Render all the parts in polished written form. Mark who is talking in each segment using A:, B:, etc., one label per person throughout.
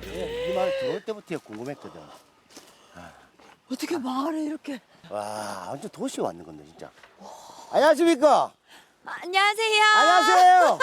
A: 이 말 들어올 때부터 궁금했거든.
B: 어떻게 마을에 이렇게.
A: 와, 완전 도시에 왔는 건데 진짜. 안녕하십니까?
B: 안녕하세요.
A: 안녕하세요.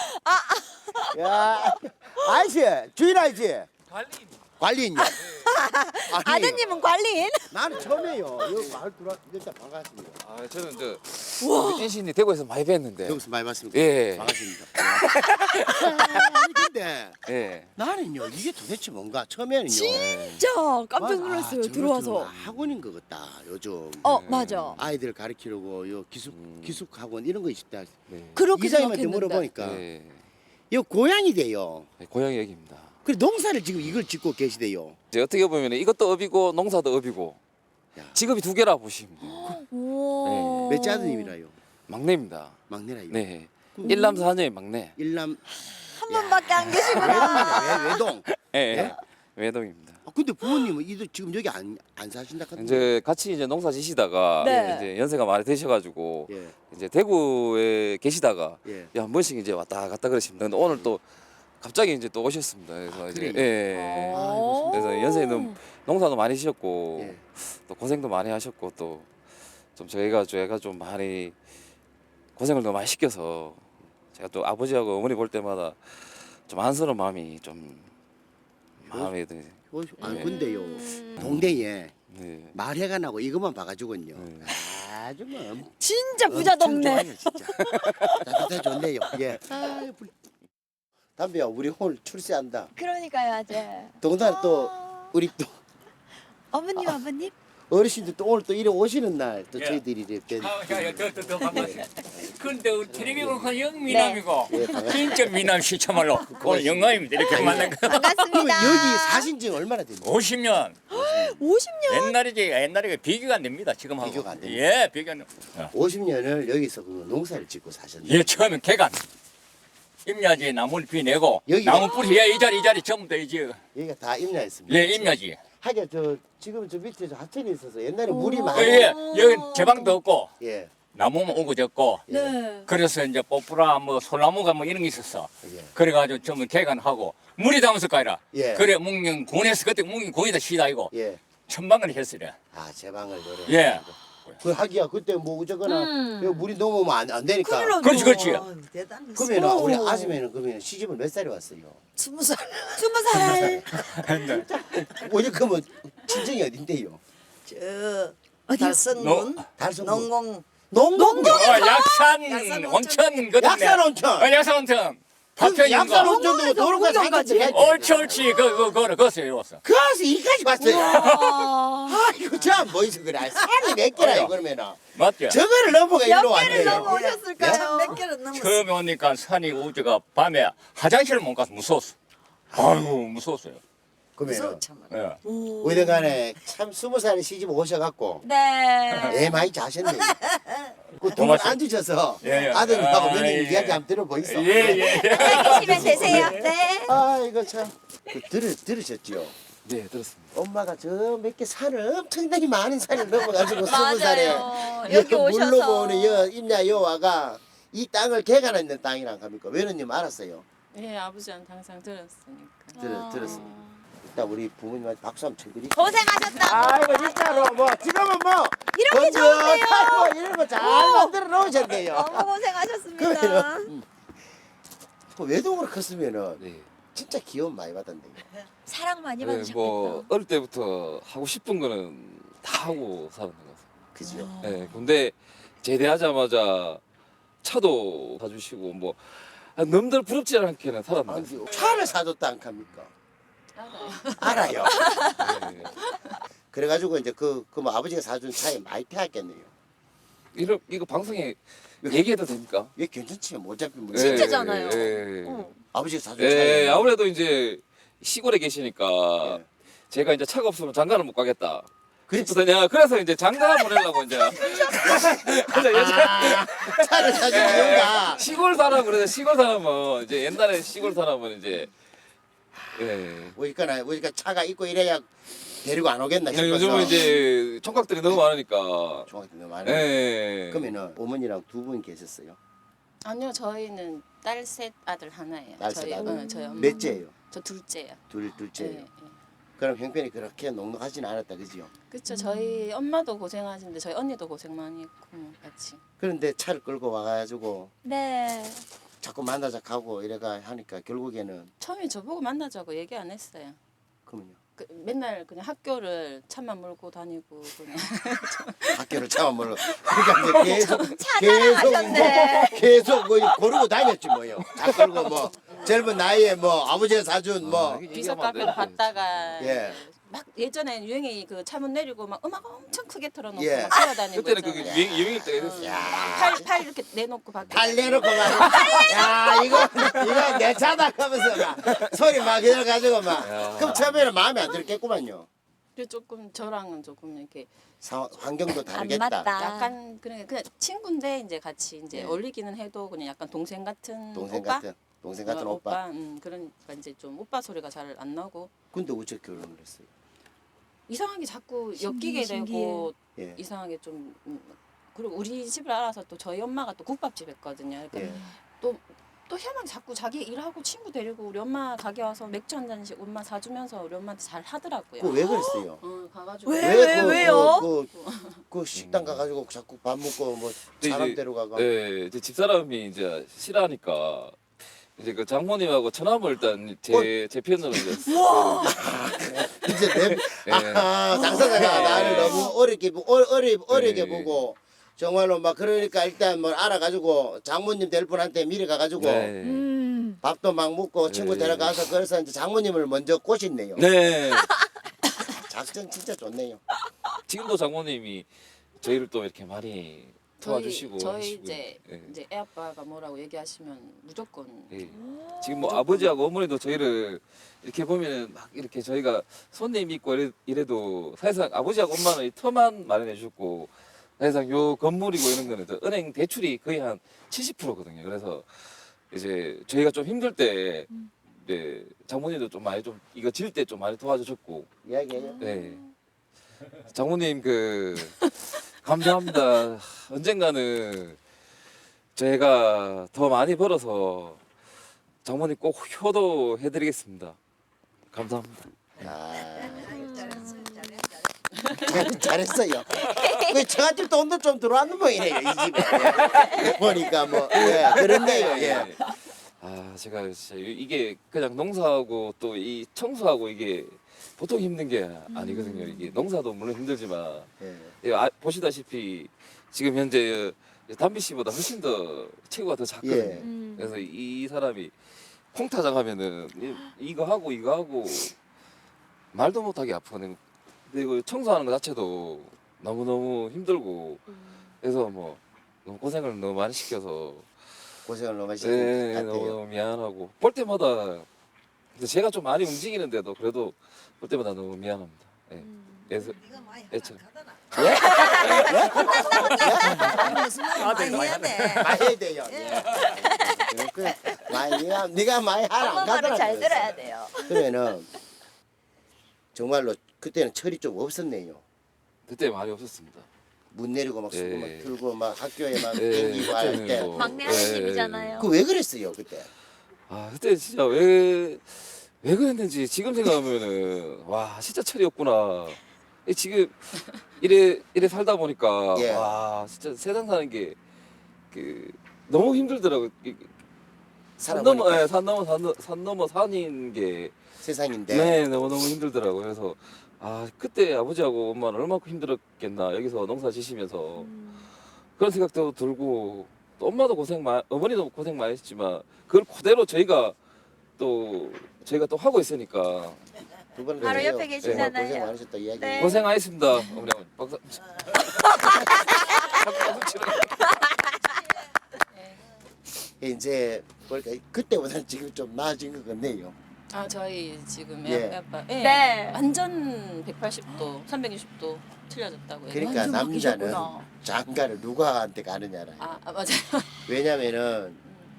A: 야, 아저씨, 주인 아저씨. 관리인요. 아니,
B: 아드님은 관리인?
A: 나는 처음이에요. 여기 마을 들어와 일단 반갑습니다.
C: 아, 저는 저 인신이 대구에서 많이 뵀는데.
A: 여기서 많이 봤습니다.
C: 예.
A: 반갑습니다. 아니 근데
C: 예.
A: 나는요 이게 도대체 뭔가 처음에는요.
B: 진짜 깜짝 놀랐어요.
A: 저거
B: 들어와서.
A: 학원인 것 같다 요즘.
B: 맞아.
A: 아이들 가르치려고 요 기숙 학원 이런 거 있다.
C: 네.
B: 그렇게
A: 이사님한테
B: 생각했는데.
A: 물어보니까
C: 예.
A: 이 고향이 돼요.
C: 네, 고향이 여기입니다.
A: 그래 농사를 지금 이걸 짓고 계시대요.
C: 이제 어떻게 보면 이것도 업이고 농사도 업이고
A: 야.
C: 직업이 두 개라 보시면 돼요.
B: 오.
A: 몇 아드님이라요?
C: 막내입니다.
A: 막내라요.
C: 네. 일남 사녀의 막내.
A: 일남
B: 한 분밖에 안 계시구나.
A: 외동.
C: 예.
A: 예?
C: 예. 외동입니다.
A: 근데 부모님은 이들 지금 여기 안 사신다 카던데.
C: 이제 같이 이제 농사 지시다가
B: 네.
C: 이제 연세가 많이 되셔가지고
A: 예.
C: 이제 대구에 계시다가
A: 예.
C: 한 번씩 이제 왔다 갔다 그러십니다. 근데 오늘 또 갑자기 이제 또 오셨습니다. 그래서 이제
A: 그래요?
C: 예.
B: 오.
C: 그래서 연세는 농사도 많이 지셨고
A: 예.
C: 또 고생도 많이 하셨고 또 좀 저희가 좀 많이 고생을 너무 많이 시켜서 제가 또 아버지하고 어머니 볼 때마다 좀 안쓰러운 마음이 좀 마음에 드네.
A: 아니 근데요 동네에
C: 네.
A: 말해가 나고 이것만 봐가지고는요.
C: 네.
A: 아주 뭐
B: 진짜 부자
A: 엄청
B: 동네.
A: 좋아요, 진짜. 따뜻해 좋네요. 예. 담배야 우리 오늘 출세한다.
B: 그러니까요, 아재.
A: 동달 또 우리 또
B: 어머님, 아버님?
A: 어르신들 또 오늘 또 이래 오시는 날 또
D: 예.
A: 저희들이 이렇게
D: 더 반갑습니다. 근데 텔레비전 영미남이고
A: 예, 반갑습니다.
D: 진짜 미남시 참말로 오늘 영광입니다. 이렇게 만난 거.
A: 그러면
B: 반갑습니다.
A: 여기 사신 지 얼마나 됐나요?
D: 50년
B: 50년?
D: 옛날에 비교가 안 됩니다. 지금하고.
A: 비교가 안 됩니다.
D: 예, 비교 안 됩니다.
A: 50년을 여기서 그 농사를 짓고 사셨네요.
D: 예, 처음엔 개간. 임야지에 나무를 비내고
A: 여기가-
D: 나무 뿌리 이 자리 전부 다 이제
A: 여기가 다 임야였습니다.
D: 예, 임야지.
A: 하긴 지금 저 밑에 저 하천이 있어서 옛날에 물이 많이
D: 예, 여기 제방도 없고
A: 예.
D: 나무만 오고 졌고
B: 네.
D: 그래서 이제 뽀뿌라 뭐 솔나무가 뭐 이런 게 있었어.
A: 예.
D: 그래가지고 전부 개간하고 물이 담아서 가라.
A: 예.
D: 그래 묵령군에서 그때 묵령군이다 시다이고
A: 예.
D: 천방을 했으래.
A: 아, 제방을 노래.
D: 예.
A: 그 하기야 그때 뭐 어쩌거나 여기 물이 넘어오면 안 되니까.
D: 그렇지, 그렇지.
A: 그러면 우리 아줌마는 그러면 시집을 몇 살에 왔어요?
B: 20살. 20살.
A: 어디 그러면 친정이 어딘데요?
E: 저
B: 어디요?
E: 달성군
A: 달성군.
E: 농공
A: 농동.
D: 약산 온천 거든요.
A: 약산 온천.
D: 약산 온천. 파편인
A: 약산
D: 거.
A: 온천도 도로가
B: 농동까지.
A: 사기지.
D: 옳지 옳지 거기서 왔어.
A: 그래서 이까지 왔어요.
B: 와.
A: 아이고 저안 보이서 그래. 산이 몇 개라 그러면은.
D: 맞죠?
A: 저거를 넘어가 이리로
B: 몇 개를
A: 왔네요.
B: 넘어오셨을까요?
E: 몇 개를 넘었어.
D: 처음에 오니까 산이 우주가 밤에 화장실을 못 가서 무서웠어. 아이고 무서웠어요.
A: 그러면
E: 무서워 참아.
D: 예.
A: 어디간에 참 20살에 시집 오셔갖고
B: 네.
A: 애 많이 자셨네. 그두분
D: 고맙습니다.
A: 앉으셔서
D: 예, 예.
A: 아드님하고
D: 아,
A: 며느님
D: 예.
A: 이야기 한번 들어보이소.
D: 예.
B: 드시면 되세요. 네.
A: 아 이거 참 들으셨지요?
C: 네, 들었습니다.
A: 엄마가 저 몇 개 산을 엄청나게 많은 산을 넘어가지고
B: 맞아요.
A: 20살에
B: 여기 오셔서.
A: 물러보는 여 임야 여와가 이 땅을 개간했는 땅이란 겁니까? 외로님 알았어요?
F: 예, 아버지한테 항상 들었으니까.
A: 들었습니다. 일단 우리 부모님한테 박수 한번 쳐드리고.
B: 고생하셨다.
A: 아이고 진짜로 뭐 지금은 뭐
B: 이렇게 좋은데요?
A: 건조하고 이런 거 잘 만들어 놓으셨네요.
B: 너무 고생하셨습니다.
A: 그러면은 그 외동으로 컸으면은
C: 네.
A: 진짜 귀여움 많이 받았네.
B: 사랑 많이
C: 네,
B: 받으셨겠다.
C: 뭐 어릴 때부터 하고 싶은 거는 다 하고 살았는 것 같아요.
A: 그죠?
C: 네, 근데 제대하자마자 차도 사주시고 뭐 남들 부럽지 않게는 살았는 것 같아요.
A: 차를 사줬다 안 합니까? 알아요.
C: 네.
A: 그래가지고 이제 뭐 아버지가 사준 차에 많이 태웠겠네요.
C: 이거 방송에 얘기해도 됩니까?
A: 왜 괜찮지? 뭐 어차피 뭐
B: 진짜잖아요.
C: 예, 예.
B: 어.
A: 아버지가 사준
C: 예,
A: 차에.
C: 아무래도 이제 시골에 계시니까
A: 예.
C: 제가 이제 차가 없으면 장가를 못 가겠다.
A: 그렇지.
C: 그래서 이제 장가 보내려고 이제. 그래서
A: 차를 사준 이유가
C: 시골 사람 그래서 시골 사람은 이제 옛날에 시골 사람은 이제 예.
A: 우리가 차가 있고 이래야 데리고 안 오겠나 싶어서.
C: 요즘은 이제 총각들이 너무 많으니까.
A: 중학교 너무 많이.
C: 예.
A: 그러면은 어머니랑 두 분 계셨어요?
F: 아니요, 저희는 딸 셋 아들 하나예요.
A: 딸 셋
F: 저희,
A: 아들.
F: 저희 엄마.
A: 몇째예요?
F: 저 둘째요.
A: 둘째예요.
F: 네.
A: 그럼 형편이 그렇게 넉넉하지는 않았다, 그지요?
F: 그렇죠. 저희 엄마도 고생하시는데 저희 언니도 고생 많이 했고 같이.
A: 그런데 차를 끌고 와가지고
B: 네.
A: 자꾸 만나자 하고 이래가 하니까 결국에는
F: 처음에 저보고 만나자고 얘기 안 했어요.
A: 그러면요.
F: 그 맨날 그냥 학교를 차만 몰고 다니고 그냥.
A: 학교를 참아물러 그러니까 이제
B: 찾아가셨네.
A: 계속 뭐 고르고 다녔지 뭐요. 차 끌고 뭐 젊은 나이에 뭐 아버지가 사준 뭐
F: 비서 카페를 갔다가
A: 예.
F: 막 예전에 유행이 그 차문 내리고 막 음악 엄청 크게 틀어놓고
A: 예.
F: 막 뛰어다니고
C: 그때는 그게
F: 있잖아요.
C: 유행일 때가 됐어요.
F: 팔 이렇게 내놓고 밖에
A: 팔 내놓고 막, 야, 이거 내 차다 하면서 막 소리 막 이래가지고 막. 그럼 처음에는 마음에 안 들겠구만요.
F: 그리고 조금 저랑은 조금 이렇게
A: 환경도 다르겠다.
B: 맞다.
F: 약간 그냥 친구인데 이제 같이 이제
A: 예.
F: 어울리기는 해도 그냥 약간 동생 같은
A: 동생
F: 오빠?
A: 같은, 동생 같은 오빠.
F: 그러니까 이제 좀 오빠 소리가 잘 안 나고
A: 근데 어째 결혼을 했어요?
F: 이상하게 자꾸
B: 신기해,
F: 엮이게 되고
A: 예.
F: 이상하게 좀 그리고 우리 집을 알아서 또 저희 엄마가 또 국밥집 했거든요. 그러니까
A: 예.
F: 또 희한하게 자꾸 자기 일하고 친구 데리고 우리 엄마 가게 와서 맥주 한 잔씩 엄마 사주면서 우리 엄마한테 잘 하더라고요.
A: 그거 왜 그랬어요?
F: 가가지고
B: 왜요?
A: 그 식당 가가지고 자꾸 밥 먹고 뭐
C: 근데
A: 사람
C: 이제-
A: 데려가고.
C: 네, 이제 집사람이 이제 싫어하니까 이제 그 장모님하고 처남을 일단 제 편으로 이제
A: 이제 내
C: 예.
A: 당사자가
C: 예.
A: 나를 너무 어리게
C: 예.
A: 보고 정말로 막 그러니까 일단 뭐 알아가지고 장모님 될 분한테 미리 가가지고
C: 네.
A: 밥도 막 먹고 친구
C: 네.
A: 데려가서 그래서 이제 장모님을 먼저 꼬셨네요.
C: 네.
A: 작전 진짜 좋네요.
C: 지금도 장모님이 저희를 또 이렇게 많이 도와주시고
F: 저희
C: 하시고요.
F: 이제
C: 예.
F: 이제 애 아빠가 뭐라고 얘기하시면 무조건
C: 예. 지금 뭐 아버지하고 어머니도 저희를 이렇게 보면은 막 이렇게 저희가 손님 있고 이래도 사실상 아버지하고 엄마는 이 터만 마련해 주셨고 사실상 요 건물이고 이런 거는 저 은행 대출이 거의 한 70%거든요. 그래서 이제 저희가 좀 힘들 때 이제 장모님도 좀 많이 좀 이거 질 때 좀 많이 도와주셨고
A: 이야기해요.
C: 네. 장모님 그 감사합니다. 언젠가는 제가 더 많이 벌어서 장모님 꼭 효도해드리겠습니다. 감사합니다.
A: 잘했어요. 그 저한테 돈도 좀 들어왔는 모양이네요 이 집에. 예. 보니까 뭐 그렇네요. 예.
C: 아 제가 진짜 이게 그냥 농사하고 또 이 청소하고 이게 보통 힘든 게 아니거든요. 이게 농사도 물론 힘들지만
A: 예.
C: 보시다시피 지금 현재 담비 씨보다 훨씬 더 체구가 더 작거든요.
A: 예.
C: 그래서 이 사람이 콩타장 하면은 이거 하고 말도 못하게 아프거든요. 그리고 청소하는 것 자체도 너무너무 힘들고 그래서 뭐 너무 고생을 너무 많이 시켜서
A: 고생을 너무 하신 것 같아요.
C: 너무 미안하고 볼 때마다 근데 제가 좀 많이 움직이는데도 그래도 볼 때마다 너무 미안합니다. 예. 그래서 애처
B: 많이 했네.
A: 많이 해야 돼요. 예. 그래, 많이 네가 많이 하라 안
B: 엄마 말을
A: 가더라.
B: 잘
A: 그래서.
B: 들어야 돼요.
A: 그러면은 정말로 그때는 철이 좀 없었네요.
C: 그때 많이 없었습니다.
A: 문 내리고 막 수고 막
C: 예.
A: 들고 막 학교에 막
C: 예,
A: 댕기고 할
C: 그때는
A: 때.
C: 뭐-
B: 막내
C: 예,
B: 아드님이잖아요.
A: 그 왜 그랬어요 그때?
C: 아 그때 진짜 왜 그랬는지 지금 생각하면은 와 진짜 철이 없구나. 지금 이래 살다 보니까
A: 예.
C: 와 진짜 세상 사는 게 그 너무 힘들더라고. 산
A: 살아보니까
C: 넘어 산 넘어 산인 게
A: 세상인데.
C: 네, 너무너무 힘들더라고요. 그래서 아 그때 아버지하고 엄마는 얼마나 힘들었겠나 여기서 농사 지시면서 그런 생각도 들고 또 엄마도 어머니도 고생 많이 했지만 그걸 그대로 저희가 또 하고 있으니까
A: 두 분은
B: 바로
A: 그래요.
B: 옆에
A: 예,
B: 계시잖아요.
A: 고생 많으셨다 이야기.
B: 네.
C: 고생하셨습니다. 어머니 박사.
A: 이제 보니까 그때보다는 지금 좀 나아진 것 같네요.
F: 아 저희 지금
A: 예.
F: 애 아빠
B: 네.
F: 완전 180도 360도 틀려졌다고요.
A: 그러니까
B: 완전
A: 남자는
B: 바뀌셨구나.
A: 장가를 누구한테 가느냐라.
F: 맞아요.
A: 왜냐면은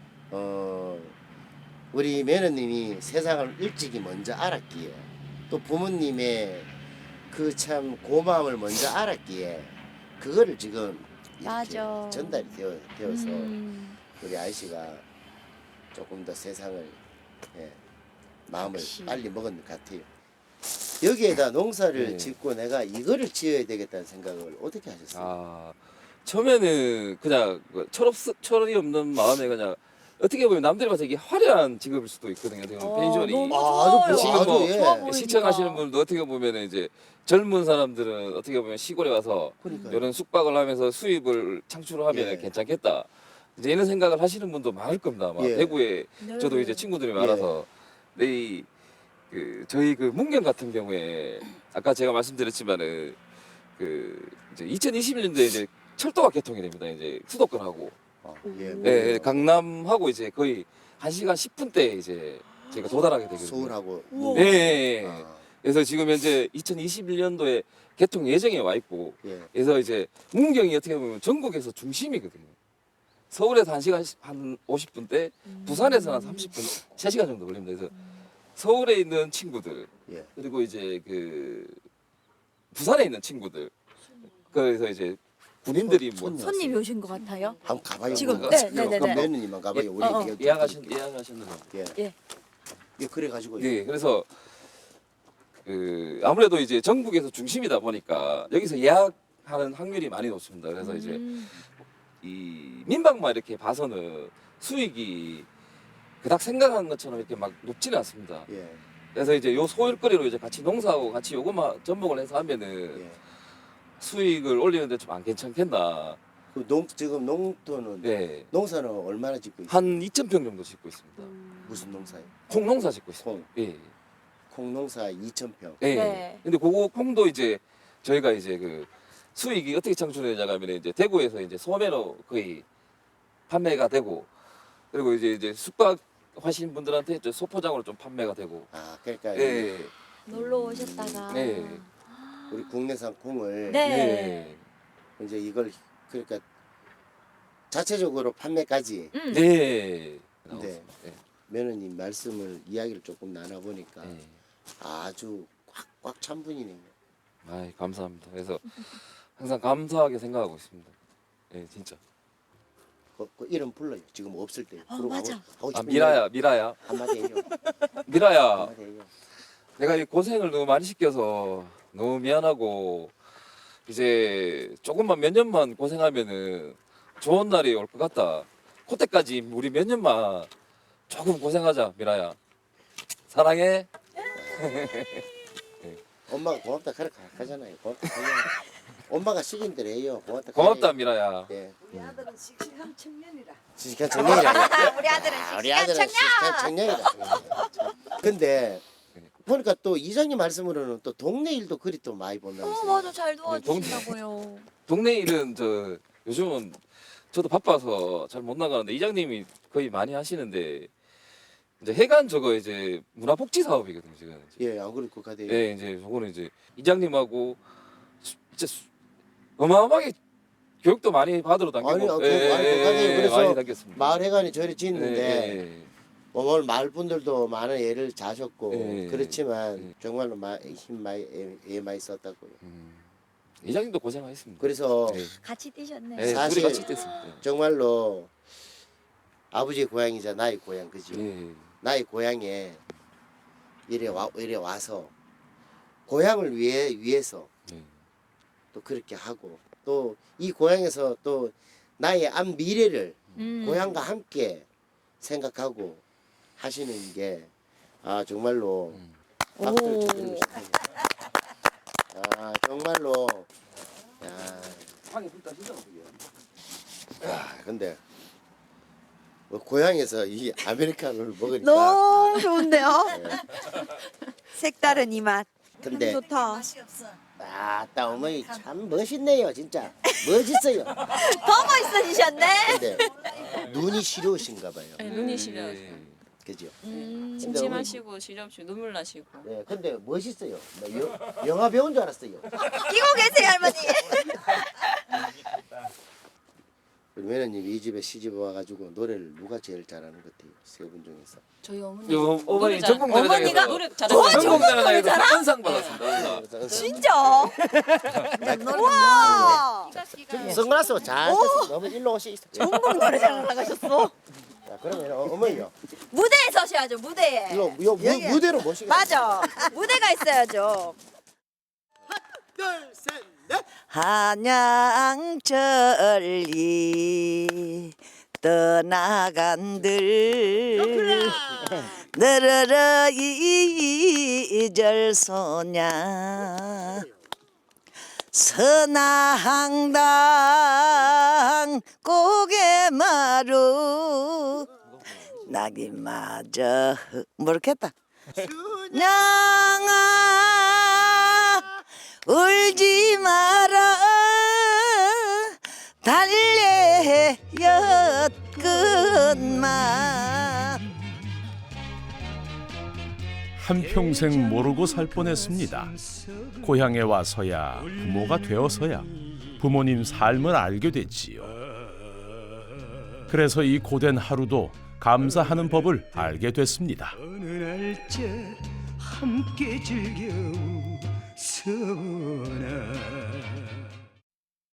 A: 우리 매너님이 세상을 일찍이 먼저 알았기에 또 부모님의 그 참 고마움을 먼저 알았기에 그거를 지금 이렇게
B: 맞아.
A: 전달이 되어서
B: 음.
A: 우리 아이씨가 조금 더 세상을 예, 마음을
F: 역시.
A: 빨리 먹은 것 같아요. 여기에다 농사를
C: 네.
A: 짓고 내가 이거를 지어야 되겠다는 생각을 어떻게 하셨어요?
C: 아 처음에는 그냥 철이 없는 마음에 그냥 어떻게 보면 남들이 봐서 이게 화려한 직업일 수도 있거든요. 어떻게 보면 펜션이
F: 너무
A: 아,
F: 좋아요.
A: 아주
C: 지금 뭐
A: 예.
F: 좋아 보이니까.
C: 시청하시는 분도 어떻게 보면 이제 젊은 사람들은 어떻게 보면 시골에 와서
A: 그러니까요.
C: 이런 숙박을 하면서 수입을 창출하면
A: 예.
C: 괜찮겠다. 이제 이런 생각을 하시는 분도 많을 겁니다. 아마
A: 예.
C: 대구에
F: 네.
C: 저도 이제 친구들이 많아서 근데 저희 그 문경 같은 경우에 아까 제가 말씀드렸지만은 이제 2021년도에 이제 철도가 개통이 됩니다. 이제 수도권하고
A: 예,
C: 예, 강남하고 이제 거의 1시간 10분대 이제 저희가 도달하게 되거든요.
A: 서울하고
F: 우와.
C: 예, 예, 예.
A: 아,
C: 그래서 지금 현재 2021년도에 개통 예정에 와 있고
A: 예.
C: 그래서 이제 문경이 어떻게 보면 전국에서 중심이거든요. 서울에서 1시간 한 50분대, 부산에서 한 30분, 3시간 정도 걸립니다. 그래서 서울에 있는 친구들
A: 예.
C: 그리고 이제 부산에 있는 친구들 그래서 이제 군인들이 뭐
A: 손-
B: 손님이 오신 것 같아요.
A: 한번 가봐요.
B: 지금,
A: 그럼.
B: 네, 네, 네,
A: 그럼
B: 네.
A: 며느님만 가봐요.
C: 예,
A: 우리 이렇게
C: 예약하셨는 분.
A: 예.
B: 예.
A: 예, 그래가지고
C: 네, 그래서 아무래도 이제 전국에서 중심이다 보니까 여기서 예약하는 확률이 많이 높습니다. 그래서 이제 이 민박만 이렇게 봐서는 수익이 그닥 생각한 것처럼 이렇게 막 높지는 않습니다.
A: 예.
C: 그래서 이제 요 소일거리로 이제 같이 농사하고 같이 요것만 접목을 해서 하면은
A: 예.
C: 수익을 올리는데 좀 안 괜찮겠나.
A: 지금 농토는
C: 네,
A: 농사는 얼마나 짓고 있어요?
C: 한 2,000평 정도 짓고 있습니다.
A: 무슨 농사예요?
C: 콩 농사 짓고 있습니다.
A: 콩.
C: 예.
A: 콩 농사 2,000평.
C: 예.
B: 네.
C: 근데 그거 콩도 이제 저희가 이제 수익이 어떻게 창출되냐 하면 이제 대구에서 이제 소매로 거의 판매가 되고 그리고 이제 숙박 하신 분들한테 이제 소포장으로 좀 판매가 되고
A: 아, 그러니까
C: 예.
B: 놀러 오셨다가.
C: 네.
A: 우리 국내산 콩을
B: 네.
A: 이제 이걸 그러니까 자체적으로 판매까지
C: 네.
A: 네. 며느님 말씀을 이야기를 조금 나눠보니까
C: 네.
A: 아주 꽉꽉 찬 분이네요.
C: 아이, 감사합니다. 그래서 항상 감사하게 생각하고 있습니다. 예, 진짜.
A: 그 이름 불러요. 지금 없을 때.
B: 어,
A: 그러고
B: 맞아.
A: 하고
C: 아,
A: 싶은
C: 미라야.
A: 이야기 한마디 해요.
C: 미라야.
A: 한마디 해요.
C: 내가 이 고생을 너무 많이 시켜서 너무 미안하고 이제 조금만 몇 년만 고생하면은 좋은 날이 올 것 같다. 그때까지 우리 몇 년만 조금 고생하자, 미라야. 사랑해.
A: 엄마가 고맙다 그렇게 하잖아요. 고맙다. 그냥 엄마가 시킨 대로 해요. 고맙다.
C: 고맙다,
A: 그래요.
C: 미라야.
A: 예.
E: 우리 아들은 씩씩한 청년이라.
A: 씩씩한 청년이라.
B: 우리 아들은
A: 우리 아들은 씩씩한 청년이다. 근데 보니까 또 이장님 말씀으로는 또 동네 일도 그리 또 많이 본다면서요.
B: 맞아. 잘 도와주신다고요.
C: 동네 일은 요즘은 저도 바빠서 잘 못 나가는데 이장님이 거의 많이 하시는데 이제 해관 이제 문화복지 사업이거든요, 지금.
A: 예, 안 그럴 것 같아요.
C: 예, 이제 저거는 이제 이장님하고 진짜 어마어마하게 교육도 많이 받으러 다니고
A: 아니, 그래서
C: 많이 다녔습니다.
A: 마을 해관이 저리
C: 예,
A: 짓는데
C: 예,
A: 뭐 오늘 마을 분들도 많은 애를 자셨고
C: 예.
A: 그렇지만
C: 예.
A: 정말로 힘 많이 썼다고요.
C: 이장님도 고생하셨습니다.
A: 그래서
C: 예,
B: 같이 뛰셨네.
C: 예,
A: 사실-
C: 둘이 같이 됐습니다.
A: 정말로 아버지의 고향이자 나의 고향 그죠?
C: 예,
A: 나의 고향에 이래 와서 고향을 위해서
C: 예.
A: 또 그렇게 하고 또 이 고향에서 또 나의 앞 미래를 고향과 함께 생각하고 하시는 게 정말로 박수를 쳐드리고 싶어요. 정말로
C: 방이 불다 진짜 어떡해요?
A: 근데 뭐 고향에서 이 아메리카노를 먹으니까
B: 너무 좋은데요?
A: 예.
B: 색다른 이 맛.
A: 근데
B: 좋다.
E: 맛이 없어.
A: 아따 어머니 참 멋있네요 진짜 멋있어요.
B: 더 멋있어지셨네.
A: 근데 눈이 시려우신가 봐요.
F: 네, 눈이 시려.
C: 예.
A: 그죠?
F: 침침하시고 시렵시고 눈물 나시고.
A: 네, 근데 멋있어요. 영화 배운 줄 알았어요.
B: 끼고 계세요 할머니.
A: 우리 매너님이 이 집에 시집 와가지고 노래를 누가 제일 잘하는 것 같아요? 세 분 중에서.
F: 저희 어머니.
C: 요 어머니
F: 잘-
C: 전국
B: 어머니가
C: 노래장에서
F: 노래 잘하는
C: 전국 노래장에서 한상 받았습니다. 한상.
B: 진짜?
A: 네.
B: 와.
A: 선글라스 잘 꼈어. 너무 일로 오시.
B: 전국 노래장 나가셨어?
A: 자, 그러면 어머니요.
B: 무대에 서셔야죠. 무대에.
A: 이거 무대로 모시겠습니다.
B: 맞아. 무대가 있어야죠.
A: 둘, 셋, 넷.
E: 한양천리 떠나간들 너르르 이절소냐 선화항당 고개마루 낙이마저 모르겠다 냥아 울지 마라 달래였건만
G: 한평생 모르고 살 뻔했습니다. 고향에 와서야 부모가 되어서야 부모님 삶을 알게 됐지요. 그래서 이 고된 하루도 감사하는 법을 알게 됐습니다.
H: 어느 날짜 함께 즐겨 서나